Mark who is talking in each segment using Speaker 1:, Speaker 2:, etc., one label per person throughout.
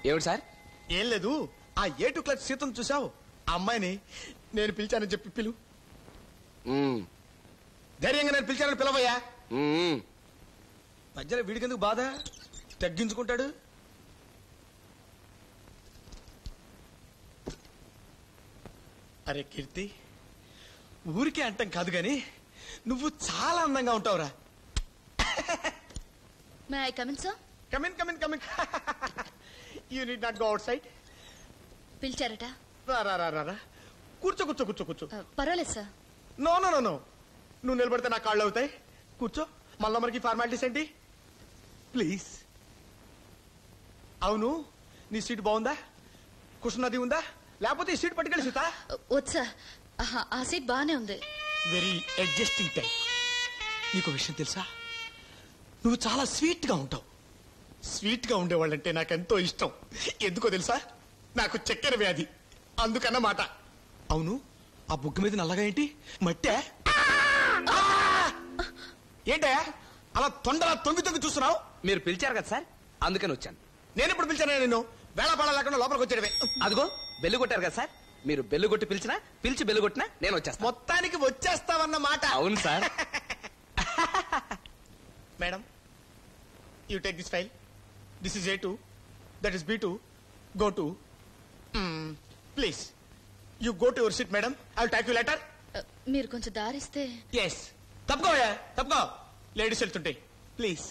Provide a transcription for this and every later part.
Speaker 1: ఏమిటి సార్?
Speaker 2: ఏం లేదు, ఆ A2 క్లాస్ సీతను చూసావు? ఆ అమ్మాయిని నేను పిలిచానని చెప్పి పిలు. ధైర్యంగా నేను పిలిచానని పిలవయ్యా. మధ్యలో వీడికెందుకు బాధ? తగ్గించుకుంటాడు. అరే కీర్తి, ఊరికే అంటాం కాదు గాని నువ్వు చాలా అందంగా ఉంటావురా.
Speaker 3: May I come in sir?
Speaker 2: Come in, come in, come in. You need not go outside.
Speaker 3: పిలిచారట?
Speaker 2: రా రా రా రా, కూర్చో కూర్చో కూర్చో కూర్చో.
Speaker 3: పర్వాలేదు sir.
Speaker 2: No no no no, నువ్వు నిలబడితే నా కాళ్ళు అవుతాయి. కూర్చో. మళ్ళా మనకి ఫార్మాలిటీస్ ఏంటి? ప్లీజ్. అవును, నీ సీట్ బాగుందా? కుషన్ అది ఉందా? లేకపోతే ఈ సీట్ పట్టుకెళ్ళి సీతా?
Speaker 3: వద్దు సార్, ఆ సీట్ బాగానే ఉంది.
Speaker 2: Very adjusting type. నీకు విషయం తెలుసా? నువ్వు చాలా స్వీట్ గా ఉంటావు. స్వీట్ గా ఉండేవాళ్ళంటే నాకెంతో ఇష్టం. ఎందుకో తెలుసా? నాకు చక్కెర వ్యాధి, అందుకన్నమాట. అవును, ఆ బుగ్గ మీద నల్లగా ఏంటి? మట్టే? ఏంటే అలా తొండలా తొంగి తొంగి చూస్తున్నావు?
Speaker 1: మీరు పిలిచారు కదా సార్, అందుకని వచ్చాను.
Speaker 2: నేను ఎప్పుడు పిలిచాను? నిన్ను వేళపాడ లేకుండా లోపలికి వచ్చేటవే.
Speaker 1: అదిగో బెల్లు కొట్టారు కదా సార్, మీరు బెల్లు కొట్టి పిలిచినా, పిలిచి బెల్లు కొట్టినా నేను వచ్చేస్తాను.
Speaker 2: మొత్తానికి వచ్చేస్తావన్నమాట.
Speaker 1: అవును sir.
Speaker 2: Madam, you take this file. This is A2, that is B2. Go to please. You go to your seat madam. I will take you letter.
Speaker 3: మీరు కొంచెం దారిస్తే.
Speaker 2: ఎస్, తప్పుకోయా, తప్పుకో. లేడీస్ వెళ్తుంటాయి. ప్లీజ్.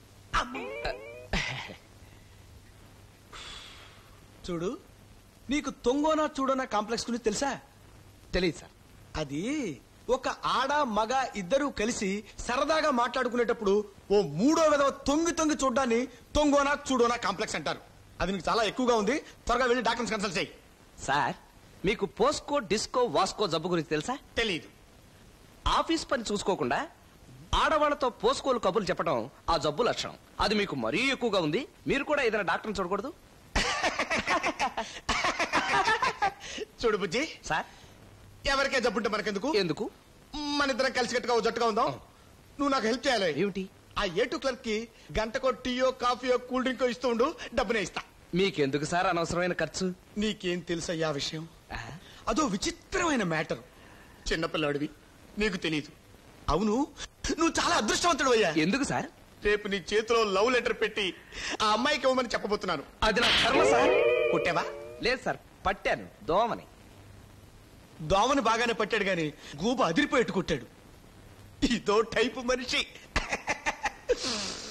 Speaker 2: చూడు, నీకు తొంగోనా చూడోనా కాంప్లెక్స్ గురించి తెలుసా?
Speaker 1: తెలియదు సార్.
Speaker 2: అది ఒక ఆడ మగ ఇద్దరు కలిసి సరదాగా మాట్లాడుకునేటప్పుడు ఓ మూడో విధవ తొంగి తొంగి చూడ్డాన్ని తొంగోనా చూడోనా కాంప్లెక్స్ అంటారు. అది నీకు చాలా ఎక్కువగా ఉంది. త్వరగా వెళ్ళి డాక్టర్స్ కన్సల్ట్ చేయి.
Speaker 1: సార్, మీకు పోస్కో డిస్కో వాస్కో జబ్బు గురించి తెలుసా?
Speaker 2: తెలీదు.
Speaker 1: ఆఫీస్ పని చూసుకోకుండా ఆడవాళ్లతో పోస్కోలు కబుర్లు చెప్పడం ఆ జబ్బు లక్షణం. అది మీకు మరీ ఎక్కువగా ఉంది. మీరు కూడా ఏదైనా డాక్టర్ని చూడకూడదు?
Speaker 2: చూడు బుజ్జి
Speaker 1: సార్,
Speaker 2: ఎవరికే జబ్బుంటే మనకెందుకు?
Speaker 1: ఎందుకు?
Speaker 2: మన ఇద్దరం కలిసి గట్టుగా ఓ జట్టుగా ఉందాం. నువ్వు నాకు హెల్ప్ చేయాలి.
Speaker 1: ఏమిటి?
Speaker 2: ఆ A2 క్లర్క్ కి గంటకో టీయో కాఫీయో కూల్ డ్రింకో ఇస్తూ ఉండు, డబ్బునే ఇస్తా.
Speaker 1: మీకెందుకు సార్ అనవసరమైన ఖర్చు?
Speaker 2: నీకేం తెలుసయ్యా విషయం? అదో విచిత్రమైన మ్యాటర్. చిన్నపిల్లాడివి, నీకు తెలీదు. అవును, నువ్వు చాలా అదృష్టవంతుడు అయ్యా.
Speaker 1: ఎందుకు సార్?
Speaker 2: రేపు నీ చేతిలో లవ్ లెటర్ పెట్టి ఆ అమ్మాయికి ఇవ్వమని చెప్పబోతున్నాను.
Speaker 1: అది నా కర్మ సార్.
Speaker 2: కొట్టావా?
Speaker 1: లేదు సార్, పట్టాను దోమని.
Speaker 2: దోమని బాగానే పట్టాడు గాని గూబ అదిరిపోయేట్టు కొట్టాడు. ఇదో టైపు మనిషి.